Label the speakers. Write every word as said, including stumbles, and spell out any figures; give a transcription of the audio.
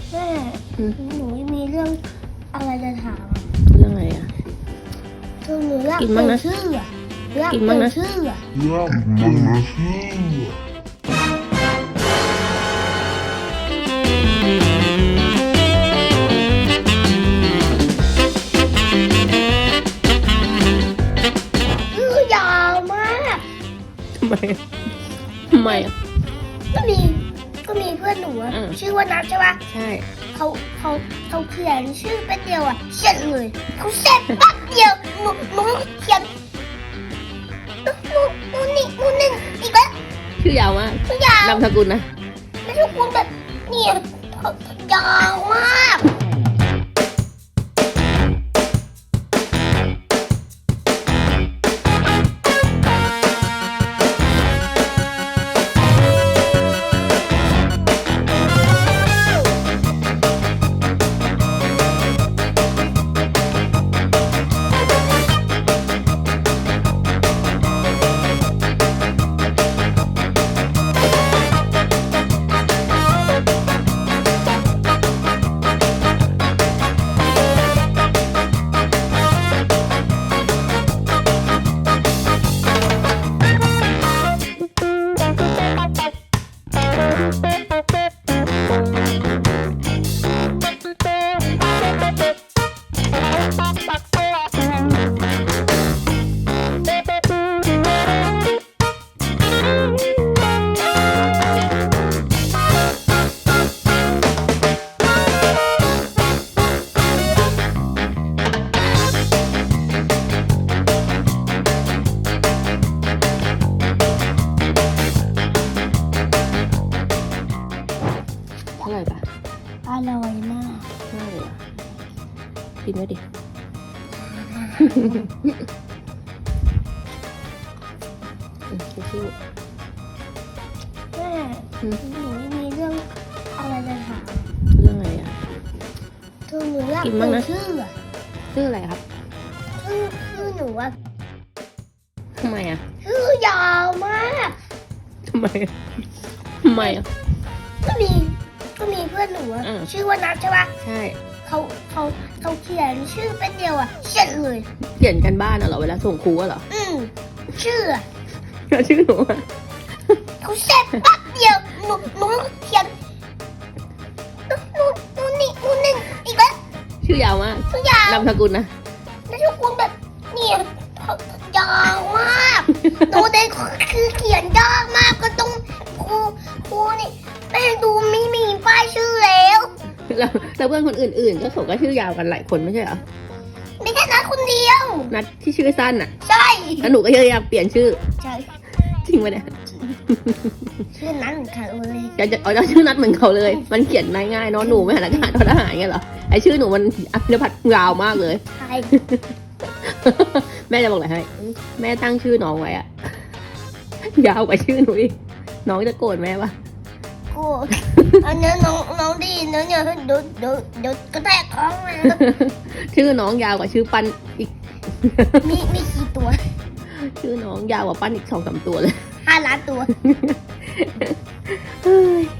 Speaker 1: แม่หนูมีเรื่องอะไรจะถาม
Speaker 2: เรื่องอะไรอ่ะ
Speaker 1: คือหนูอยาก
Speaker 2: กิน
Speaker 1: เป
Speaker 2: บ้าง
Speaker 1: ลี่ย
Speaker 2: นะ
Speaker 1: นชื่ออะอยาก
Speaker 2: กิน
Speaker 1: เป
Speaker 2: บ้า
Speaker 1: ลี่
Speaker 2: ง
Speaker 1: ยน
Speaker 2: นะ
Speaker 1: ชื่ออะ
Speaker 3: Yeah, mama.
Speaker 1: ชื่อยาวมาก
Speaker 2: ทำไมทำไมอ่ะ
Speaker 1: ก็มีก็มีเพื่อนหนูอะ
Speaker 2: อืม
Speaker 1: ชื่อว่านัทใช่ปะ
Speaker 2: ใช่
Speaker 1: เขาเขาเขาเขียนชื่อแป๊บเดียวอะเสร็จเลยเขาเสร็จแป๊บเดียวหนูหนูเขียนหนูหนูหนูนี่หนูหนึ่งอีกแล้ว
Speaker 2: ชื่อยาวมาก
Speaker 1: ชื่อยาวน
Speaker 2: ามสกุลนะ
Speaker 1: ไม่ทุกคนแบบเนี่ยยาวมาก
Speaker 2: เท่าไหร่ปะ
Speaker 1: อร่อยมาก
Speaker 2: เท่าไหร่เหรอกินไว้ดิ อืมสู้
Speaker 1: แม่
Speaker 2: ๆอืม
Speaker 1: หนูมีเรื่องอะไรจะถาม
Speaker 2: เรื่องอะไรอ่ะ
Speaker 1: คือหนูอยาก
Speaker 2: กิน
Speaker 1: เป
Speaker 2: บ้าง
Speaker 1: ลี่ย
Speaker 2: นะ
Speaker 1: นชื่ออะ
Speaker 2: ชื่ออะไรครับ
Speaker 1: ชื่อชื่อหนูอะ
Speaker 2: ทำไมอ่ะ
Speaker 1: ชื่อยาวมาก
Speaker 2: ทำไมอะทำไมอ่ะ
Speaker 1: ก็มีก็มีเพื่อนหนูอะ
Speaker 2: อืม
Speaker 1: ชื่อว่านัทใช่ปะ
Speaker 2: ใช่
Speaker 1: เขาเขาเขาเขียนชื่อแป๊บเดียวอะเสร็จเลย
Speaker 2: เขียนกันบ้านอะเหรอเวลาส่งครูอะเหรอ
Speaker 1: อืมชื่ออะ
Speaker 2: แล้วชื่อหนูอะ
Speaker 1: เขาเสร็จแป๊บเดียวหนูหนูเขียนหนูหนูหนูนี่หนูหนึ่งอีกแล้ว
Speaker 2: ชื่อยาวมาก
Speaker 1: ชื่อยาวน
Speaker 2: ามสกุลนะ
Speaker 1: แล้วทุกคนแบบเนี่ยยาวมากหนูได้คือเขียนยากมากก็ต้องครูครูนี่แม่ดูไม่มีป้ายชื่อแล้ว
Speaker 2: แล้วแล้วเพื่อนคนอื่นๆ ก็เขาก็ชื่อยาวกันหลายคนไม่ใช่เหรอ
Speaker 1: ไม่แค่นัดคนเดียว
Speaker 2: นัดที่ชื่อสั้นอ่ะ
Speaker 1: ใช่
Speaker 2: แล้วหนูก็ยังอยากเปลี่ยนชื่อ
Speaker 1: ใช่
Speaker 2: จริงปะเนี่ย
Speaker 1: ชื่อนั้นเหมือนกันเลย
Speaker 2: อยากจะเอาจะชื่อนัดเหมือนเขาเลย มันเขียนง่ายๆเนาะหนูไม่หันอากาศทอทหารเงี้ยเหรอ ไอชื่อหนูมันอัจพัดยาวมากเลย
Speaker 1: ใช่
Speaker 2: แม่จะบอกอะไรให้ แม่ตั้งชื่อน้องไว้อะ ยาวกว่าชื่อหนูอีก น้องจะโกรธแม่ปะ
Speaker 1: กูอันนี้น้องน้องดีนะเนี่ยเดี๋ยวเดี๋ยวเดี๋ยวกระแทกท้องนะ
Speaker 2: ชื่อน้องยาวกว่าชื่อปั้นอีก
Speaker 1: มีมีกี่ตัว
Speaker 2: ชื่อน้องยาวกว่าปั้นอีกสองสามตัวเลย
Speaker 1: ห้าล้านตัว
Speaker 2: เฮ้ย